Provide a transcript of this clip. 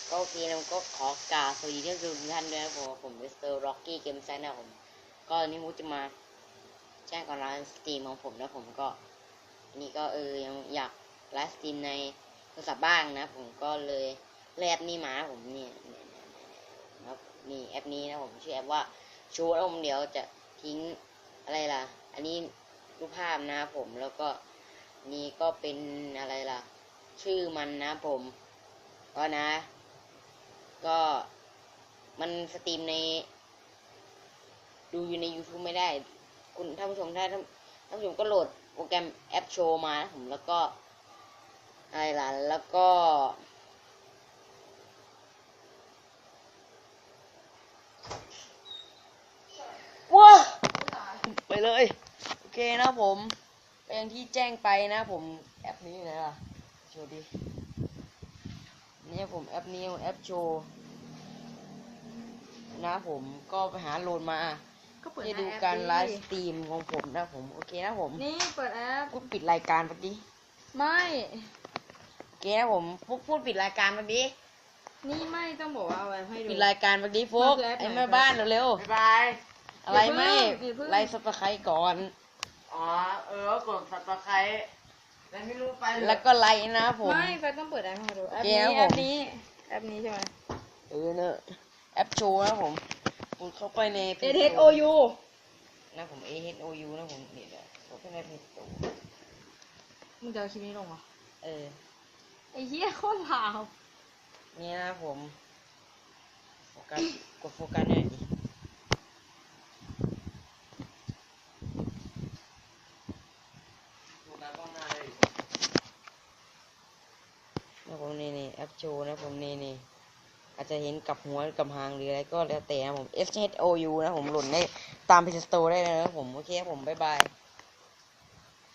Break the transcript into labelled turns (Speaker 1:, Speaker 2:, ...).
Speaker 1: ก็โอเคนะผมก็ขอกราบสวัสดีทุกท่านด้วยนะผมมิสเตอร์ร็อกกี้เกมไซน์นะผมก็นี่ผมจะมาแจ้งก่อนไลฟ์สตรีมของผมนะผมก็อันนี้ก็ยังอยากไลฟ์สตรีมในโทรศัพท์บ้างนะผมก็เลยแอปนี้มาผมเนี่ยนะนี่แอปนี้นะผมชื่อแอปว่าโชว์แล้วผมเดี๋ยวจะทิ้งอะไรล่ะอันนี้รูปภาพนะผมแล้วก็นี่ก็เป็นอะไรล่ะชื่อมันนะผมก็นะก็มันสตรีมในดูอยู่ใน YouTube ไม่ได้คุณท่านผู้ชมท่านผู้ชมก็โหลดโปรแกรมแอปโชว์มานะผมแล้วก็อะไรล่ะแล้วก็ว้าไปเลยโอเคนะผมอย่างที่แจ้งไปนะผมแอปนี้นะล่ะโชว์ดินี่ผมแอปนี้แอปโชว์นะผมก็ไปหาโหลดมาให้ดูการไลฟ์สตรีมของผมนะผมโอเคนะผม
Speaker 2: นี่เปิดแอป
Speaker 1: พูดปิดรายการปะดิ
Speaker 2: ไม่
Speaker 1: โอเคนะผมพูดปิดรายการปะดิ
Speaker 2: นี่ไม่ต้องบอกว่าเอาไว้ให้ดู
Speaker 1: ปิดรายการปะดิโฟกไอ้แม่บ้านเร็ว
Speaker 3: บ๊ายบาย
Speaker 1: อะไรไม่ไลฟ์สปาไคก่อน
Speaker 3: อ๋อกดสับตะไคร้แล้วไม่รู้ไป
Speaker 1: แล้วก็ไลค์นะผม
Speaker 2: ไม่ไปต้องเปิดแอปให้ดูแอปนี้ใช่ไหม
Speaker 1: เนอะแอปโชว์นะผมคุณเข้าไปใน
Speaker 2: AHOU
Speaker 1: นะผม AHOU นะผมเดี๋ยวเข้าไปในเพจตัว
Speaker 2: มึงจะเอาคลิปนี้ลงเหรอไอ้เหี้ยโคตรลาว
Speaker 1: นี่นะผมโฟกัสกดโฟกัสหน่อยดินะผมนี่แอปโชว์นะผมนี่อาจจะเห็นกับหัวกับหางหรืออะไรก็แล้วแต่นะผม SHOU นะผมหล่นได้ตาม Play Store ได้เลยนะผมโอเคครับผมบ๊ายบาย